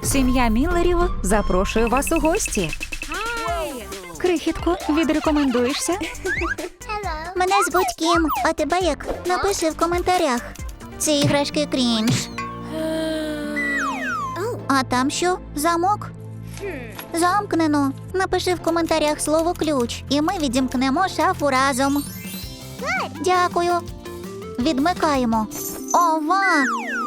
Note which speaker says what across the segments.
Speaker 1: Сім'я Міллерів запрошує вас у гості. Крихітко, відрекомендуєшся?
Speaker 2: Мене звуть Кім, а тебе як? Напиши в коментарях. Ці іграшки крінж. А там що? Замок? Замкнено. Напиши в коментарях слово ключ, і ми відімкнемо шафу разом. Дякую. Відмикаємо. Ова!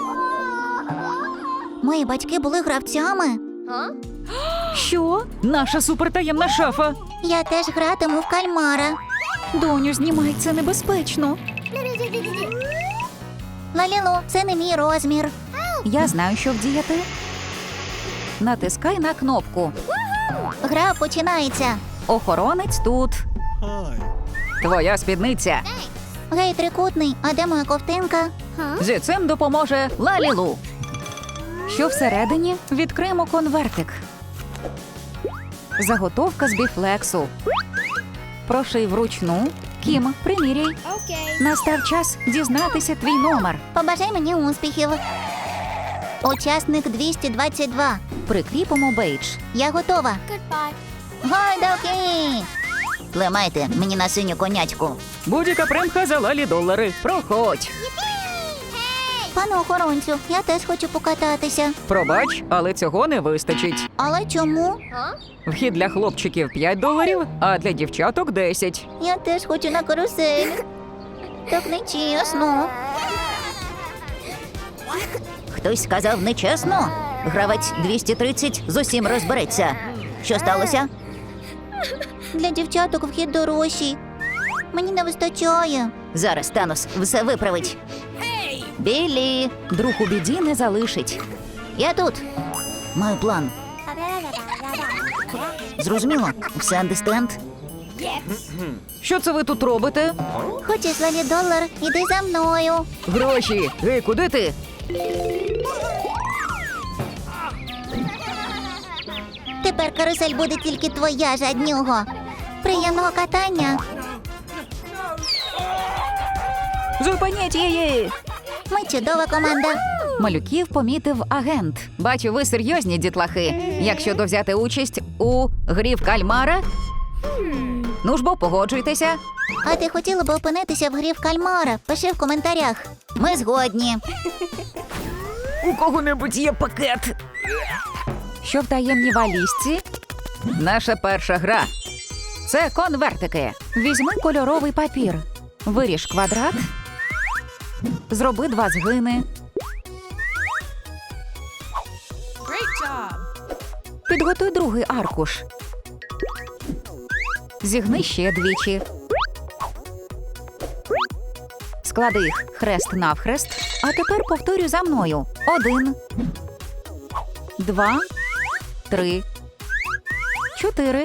Speaker 2: Мої батьки були гравцями.
Speaker 1: Що? Наша супертаємна шафа.
Speaker 2: Я теж гратиму в кальмара.
Speaker 1: Доню, знімай, це небезпечно.
Speaker 2: Лалілу, це не мій розмір.
Speaker 1: Я знаю, що вдіяти. Натискай на кнопку.
Speaker 2: Гра починається.
Speaker 1: Охоронець тут. Твоя спідниця.
Speaker 2: Гей, трикутний, а де моя ковтинка?
Speaker 1: Зі цим допоможе Лалілу. Що всередині? Відкриємо конвертик. Заготовка з біфлексу. Проший вручну. Кім, приміряй. Настав час дізнатися твій номер.
Speaker 2: Побажай мені успіхів. Учасник 222.
Speaker 1: Прикріпимо бейдж.
Speaker 2: Я готова. Гайдалки! Племайте мені на синю конячку.
Speaker 1: Будь-яка примха за лалі $. Проходь.
Speaker 2: Пане охоронцю, я теж хочу покататися.
Speaker 1: Пробач, але цього не вистачить.
Speaker 2: Але чому?
Speaker 1: Вхід для хлопчиків $5, а для дівчаток 10.
Speaker 2: Я теж хочу на карусель. Так нечесно. Хтось сказав нечесно? Гравець 230 з усім розбереться. Що сталося? Для дівчаток вхід дорожчий. Мені не вистачає. Зараз Танос все виправить. Біллі,
Speaker 1: Друг у біді не залишить.
Speaker 2: я тут. Маю план. Зрозуміло? Все андестенд?
Speaker 1: Що це ви тут робите?
Speaker 2: Хочеш $1, іди за мною.
Speaker 1: Гроші. Гей, куди ти?
Speaker 2: Тепер карусель буде тільки твоя, жаднюго. Приємного катання.
Speaker 1: Зупиніть її!
Speaker 2: Ми чудова команда.
Speaker 1: Малюків помітив агент. Бачу, ви серйозні дітлахи. Як щодо взяти участь у грі в кальмара? Ну ж бо, погоджуйтеся.
Speaker 2: А ти хотіла би опинитися в грі в кальмара? Пиши в коментарях. Ми згодні.
Speaker 1: У кого-небудь є пакет? Що в таємній валізці? Наша перша гра. Це конвертики. Візьми кольоровий папір. Виріж квадрат. Зроби 2 згини. Підготуй другий аркуш. Зігни ще двічі. Склади їх хрест навхрест. А тепер повторюй за мною. 1, 2, 3, 4.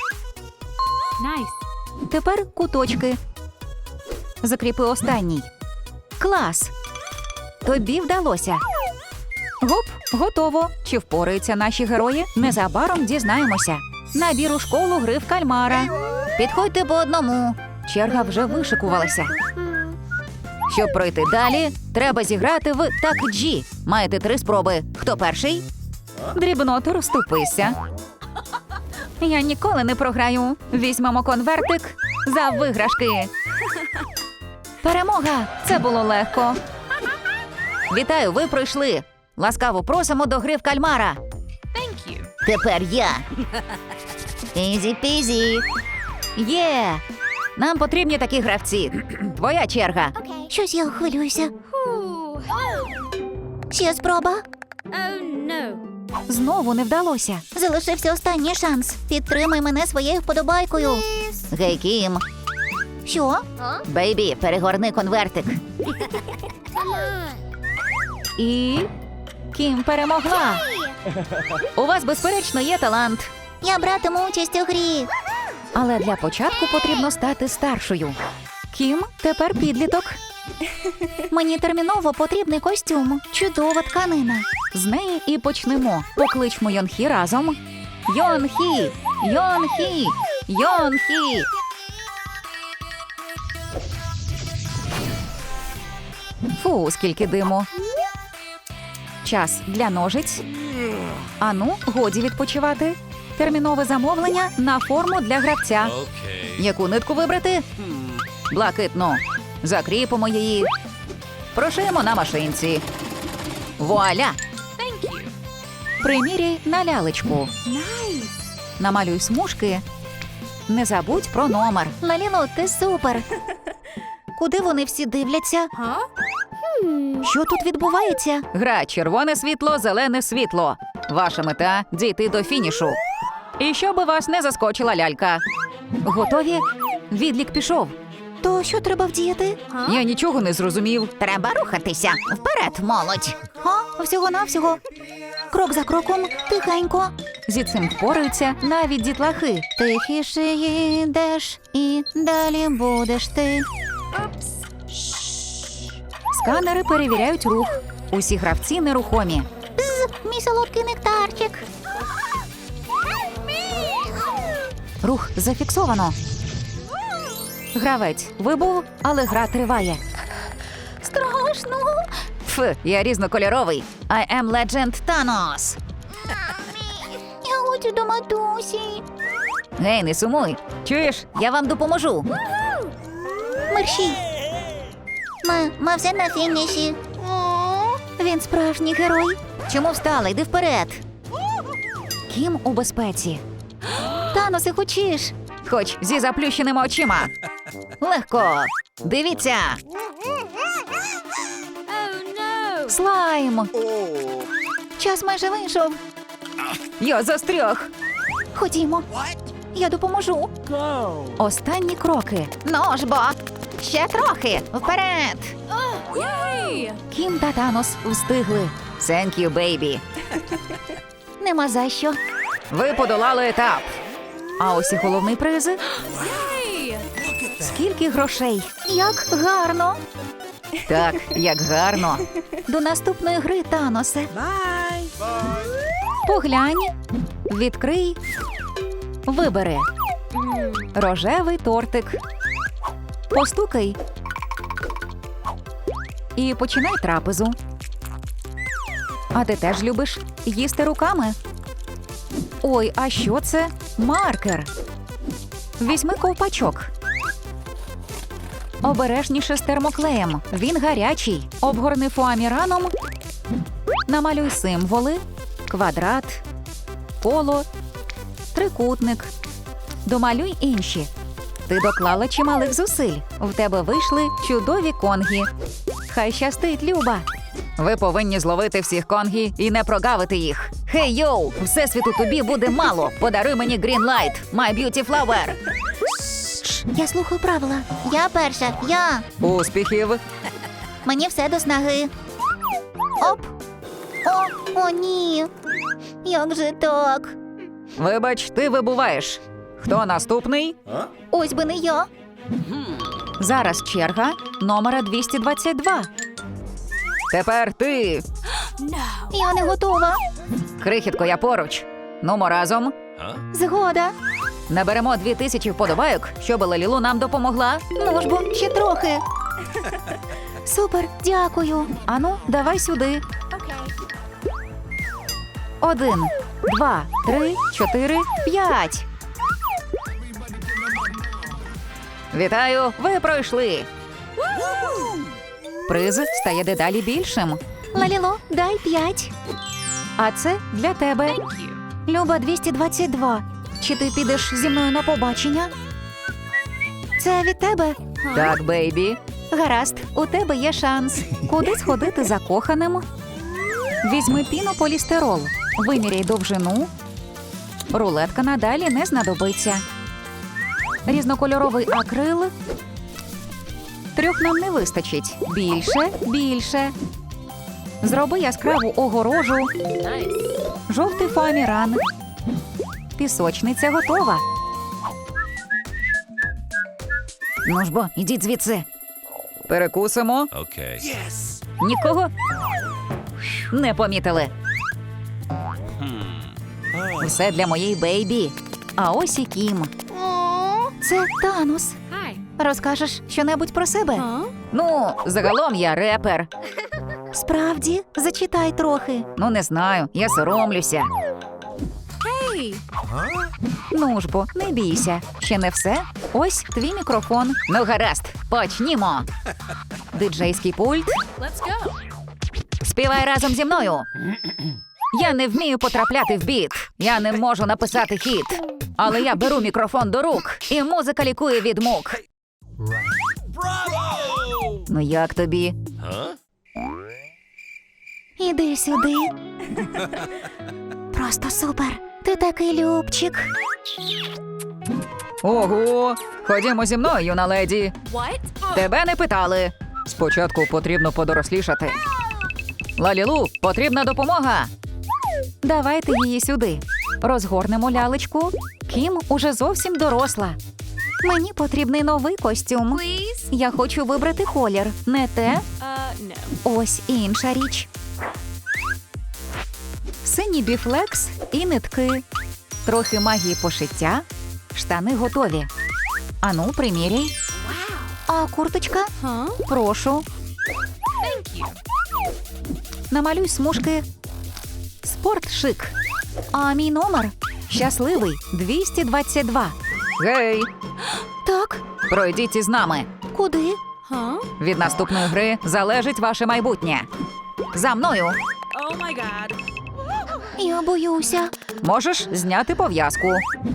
Speaker 1: Тепер куточки. Закріпи останній. Клас! Тобі вдалося. Гоп, готово. Чи впораються наші герої? Незабаром дізнаємося. Набір у школу гри в кальмара.
Speaker 2: Підходьте по одному.
Speaker 1: Черга вже вишикувалася. Щоб пройти далі, треба зіграти в «Так Джі». Маєте 3 спроби. Хто перший? Дрібното, розступися. Я ніколи не програю. Візьмемо конвертик за виграшки. Перемога! Це було легко. Вітаю, ви пройшли. Ласкаво просимо до гри в кальмара.
Speaker 2: Тепер я. Ізі-пізі.
Speaker 1: Є! Нам потрібні такі гравці. Твоя черга.
Speaker 2: Щось я хвилююся. Ще спроба.
Speaker 1: Знову не вдалося.
Speaker 2: Залишився останній шанс. Підтримай мене своєю вподобайкою. Гей, Кім. Що?
Speaker 1: Бейбі, перегорни конвертик. І Кім перемогла. У вас, безперечно, є талант.
Speaker 2: Я братиму участь у грі.
Speaker 1: Але для початку потрібно стати старшою. Кім, тепер підліток.
Speaker 2: Мені терміново потрібний костюм. Чудова тканина.
Speaker 1: З неї і почнемо. Покличмо Йонхі разом. Йонхі! Йонхі! Йонхі! Фу, скільки диму. Час для ножиць. Ану, годі відпочивати. Термінове замовлення на форму для гравця. Яку нитку вибрати? Блакитну. Закріпимо її. Прошиємо на машинці. Вуаля! Приміряй на лялечку. Намалюй смужки. Не забудь про номер.
Speaker 2: Лалілу, ти супер. Куди вони всі дивляться? Що тут відбувається?
Speaker 1: Гра червоне світло, зелене світло. Ваша мета – дійти до фінішу. І щоб вас не заскочила лялька. Готові? Відлік пішов.
Speaker 2: То що треба вдіяти?
Speaker 1: Я нічого не зрозумів.
Speaker 2: Треба рухатися. Вперед, молодь. Всього-навсього. Крок за кроком, тихенько.
Speaker 1: Зі цим впораються навіть дітлахи.
Speaker 2: Тихіше їдеш і далі будеш ти.
Speaker 1: Сканери перевіряють рух. Усі гравці нерухомі.
Speaker 2: Мій солодкий нектарчик.
Speaker 1: Рух зафіксовано. Гравець вибув, але гра триває.
Speaker 2: Страшно.
Speaker 1: Я різнокольоровий. I am Legend Thanos.
Speaker 2: Я хочу до матусі.
Speaker 1: Гей, не сумуй. Чуєш, я вам допоможу.
Speaker 2: Мерші. Ми вже на фініші. Він справжній герой. Чому встала? Йди вперед.
Speaker 1: Кім у безпеці.
Speaker 2: Таносе, хочеш?
Speaker 1: Хоч зі заплющеними очима. Легко. Дивіться. Слайм.
Speaker 2: Час майже вийшов.
Speaker 1: Я застряг.
Speaker 2: Ходімо. Я допоможу.
Speaker 1: Останні кроки.
Speaker 2: Ну ж бо. Ще трохи. Вперед.
Speaker 1: Кім та Танос встигли. Thank you, baby.
Speaker 2: Нема за що.
Speaker 1: Ви подолали етап. А ось і головний приз. Скільки грошей?
Speaker 2: Як гарно.
Speaker 1: Так, як гарно.
Speaker 2: До наступної гри, Таносе.
Speaker 1: Поглянь, відкрий, вибери. Рожевий тортик. Постукай. І починай трапезу. А ти теж любиш їсти руками? Ой, а що це? Маркер. Візьми ковпачок. Обережніше з термоклеєм. Він гарячий. Обгорни фоаміраном. Намалюй символи. Квадрат, коло, трикутник. Домалюй інші. Ти доклала чималих зусиль. В тебе вийшли чудові конгі. Хай щастить, Люба. Ви повинні зловити всіх конгі і не прогавити їх. Хей, йоу! Всесвіту тобі буде мало. Подаруй мені Green Light, my beauty flower.
Speaker 2: Я слухаю правила. Я перша. Я.
Speaker 1: Успіхів!
Speaker 2: Мені все до снаги. Оп. О ні. Як же так?
Speaker 1: Вибач, ти вибуваєш. Хто наступний?
Speaker 2: Ось би не я.
Speaker 1: Зараз черга номера 222. Тепер ти.
Speaker 2: Я не готова.
Speaker 1: Крихітко, я поруч. Нумо разом.
Speaker 2: Згода.
Speaker 1: Наберемо 2000 вподобайок, щоб Лалілу нам допомогла.
Speaker 2: Ну ж бо, ще трохи. Супер, дякую.
Speaker 1: Ану, давай сюди. 1, 2, 3, 4, 5. Вітаю, ви пройшли. Приз стає дедалі більшим.
Speaker 2: Лаліло, дай 5.
Speaker 1: А це для тебе.
Speaker 2: Люба 222. Чи ти підеш зі мною на побачення? Це від тебе?
Speaker 1: Так, бейбі.
Speaker 2: Гаразд, у тебе є шанс.
Speaker 1: Куди сходити закоханим? Візьми пінополістирол. Виміряй довжину. Рулетка надалі не знадобиться. Різнокольоровий акрил. 3 нам не вистачить. Більше, більше. Зроби яскраву огорожу. Жовтий фоаміран. Пісочниця готова. Ну ж бо, ідіть звідси. Перекусимо.
Speaker 3: Okay.
Speaker 1: Нікого? Не помітили. Все для моєї бейбі. А ось і Кім.
Speaker 2: Це Танос. Розкажеш щонебудь про себе?
Speaker 1: Ну, загалом я репер.
Speaker 2: Справді, зачитай трохи.
Speaker 1: Ну, не знаю, я соромлюся. Ну ж бо, не бійся. Ще не все. Ось твій мікрофон. Ну, гаразд, почнімо. Диджейський пульт. Співай разом зі мною. Я не вмію потрапляти в біт. Я не можу написати хіт. Але я беру мікрофон до рук, і музика лікує від мук. Ну як тобі?
Speaker 2: Іди сюди. Просто супер. Ти такий любчик.
Speaker 1: Ого! Ходімо зі мною, юна леді. Тебе не питали. Спочатку потрібно подорослішати. Лалілу, потрібна допомога. Давайте її сюди. Розгорнемо лялечку. Кім уже зовсім доросла. Мені потрібний новий костюм. Я хочу вибрати колір. Не те? Ось інша річ. Синій біфлекс і нитки. Трохи магії пошиття. Штани готові. Ану, приміряй.
Speaker 2: А курточка?
Speaker 1: Прошу. Намалюй смужки. Спортшик.
Speaker 2: А мій номер?
Speaker 1: Щасливий 222. Гей!
Speaker 2: Так.
Speaker 1: Пройдіть із нами.
Speaker 2: Куди?
Speaker 1: Від наступної гри залежить ваше майбутнє. За мною.
Speaker 2: Я боюся.
Speaker 1: Можеш зняти пов'язку.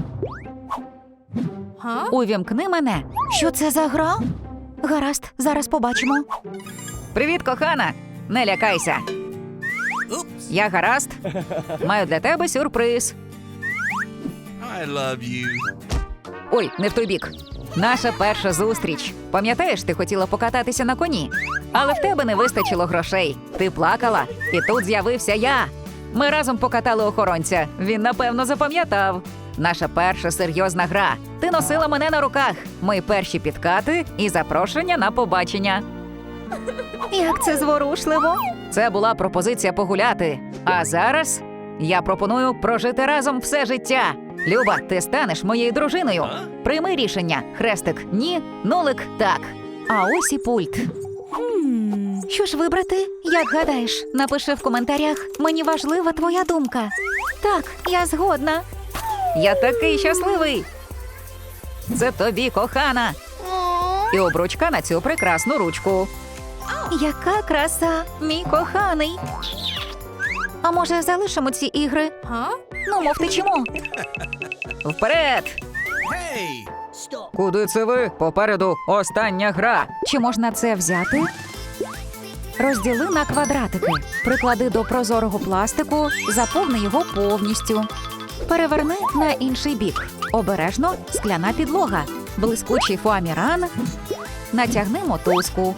Speaker 1: Увімкни мене.
Speaker 2: Що це за гра? Гаразд, зараз побачимо.
Speaker 1: Привіт, кохана. Не лякайся. Я гаразд. Маю для тебе сюрприз.
Speaker 3: I love you.
Speaker 1: Ой, не в той бік. Наша перша зустріч. Пам'ятаєш, ти хотіла покататися на коні? Але в тебе не вистачило грошей. Ти плакала, і тут з'явився я. Ми разом покатали охоронця. Він, напевно, запам'ятав. Наша перша серйозна гра. Ти носила мене на руках. Мої перші підкати і запрошення на побачення.
Speaker 2: Як це зворушливо.
Speaker 1: Це була пропозиція погуляти. А зараз я пропоную прожити разом все життя. Люба, ти станеш моєю дружиною. Прийми рішення. Хрестик – ні, нулик – так. А ось і пульт.
Speaker 2: Що ж вибрати? Як гадаєш? Напиши в коментарях. Мені важлива твоя думка. Так, я згодна.
Speaker 1: Я такий щасливий. Це тобі, кохана. І обручка на цю прекрасну ручку.
Speaker 2: Яка краса, мій коханий. А може залишимо ці ігри? Ну, мов втечемо.
Speaker 1: Вперед!
Speaker 3: Hey!
Speaker 1: Куди це ви? Попереду остання гра. Чи можна це взяти? Розділи на квадратики. Приклади до прозорого пластику, заповни його повністю. Переверни на інший бік. Обережно скляна підлога. Блискучий фоаміран. Натягни мотузку.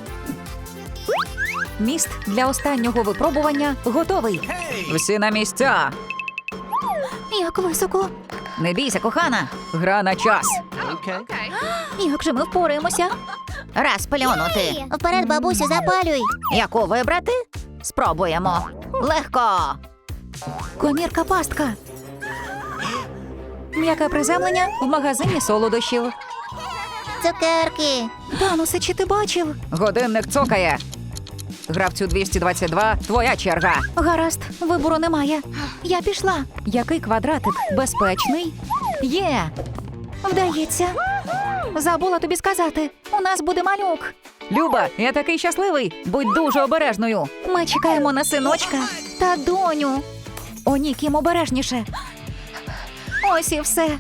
Speaker 1: Міст для останнього випробування готовий.
Speaker 3: Hey!
Speaker 1: Всі на місця.
Speaker 2: Як високо.
Speaker 1: Не бійся, кохана. Гра на час.
Speaker 3: Okay.
Speaker 2: Як же ми впораємося?
Speaker 1: Раз плюнути.
Speaker 2: Вперед, бабусю, запалюй.
Speaker 1: Яку вибрати? Спробуємо. Легко.
Speaker 2: Комірка пастка.
Speaker 1: М'яке приземлення в магазині солодощів.
Speaker 2: Цукерки. Танусе, чи ти бачив?
Speaker 1: Годинник цокає. Гравцю 222, твоя черга.
Speaker 2: Гаразд, вибору немає. Я пішла.
Speaker 1: Який квадратик безпечний? Є.
Speaker 2: Вдається. Забула тобі сказати. У нас буде малюк.
Speaker 1: Люба, я такий щасливий. Будь дуже обережною.
Speaker 2: Ми чекаємо на синочка та доню.
Speaker 1: О, ні, Кім, обережніше.
Speaker 2: Ось і все.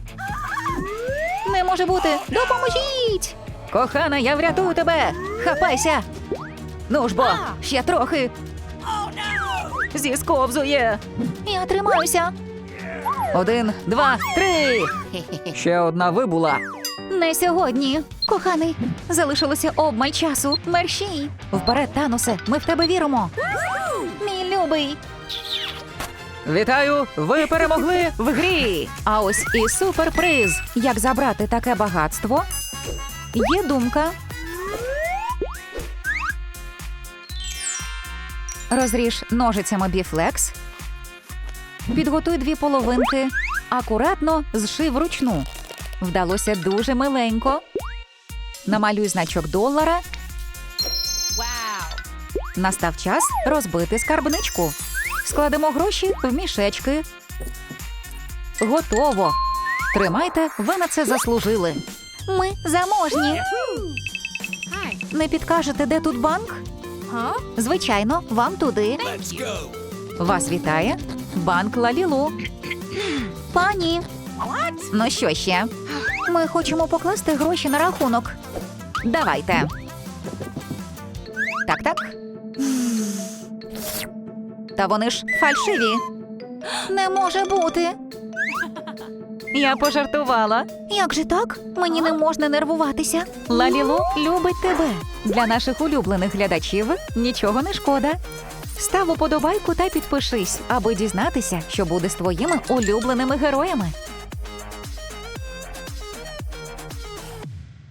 Speaker 2: Не може бути. Допоможіть!
Speaker 1: Кохана, я врятую тебе. Хапайся. Ну ж бо, ще трохи. Зісковзує.
Speaker 2: Я тримаюся.
Speaker 1: 1, 2, 3. Ще одна вибула.
Speaker 2: Не сьогодні. Коханий, залишилося обмаль часу. Мерщій.
Speaker 1: Вперед, Танусе, ми в тебе віримо.
Speaker 2: Мій любий.
Speaker 1: Вітаю! Ви перемогли в грі! А ось і суперприз! Як забрати таке багатство? Є думка. Розріж ножицями біфлекс. Підготуй 2 половинки. Акуратно зши вручну. Вдалося дуже миленько. Намалюй значок $. Настав час розбити скарбничку. Складемо гроші в мішечки. Готово. Тримайте, ви на це заслужили.
Speaker 2: Ми заможні. Не підкажете, де тут банк? Звичайно, вам туди.
Speaker 3: Let's go.
Speaker 1: Вас вітає банк Лалілу.
Speaker 2: Пані,
Speaker 1: Ну що ще?
Speaker 2: ми хочемо покласти гроші на рахунок.
Speaker 1: Давайте. Так. Та вони ж фальшиві.
Speaker 2: Не може бути.
Speaker 1: Я пожартувала.
Speaker 2: Як же так? Мені не можна нервуватися.
Speaker 1: Лалілу любить тебе. Для наших улюблених глядачів нічого не шкода. Став уподобайку та підпишись, аби дізнатися, що буде з твоїми улюбленими героями.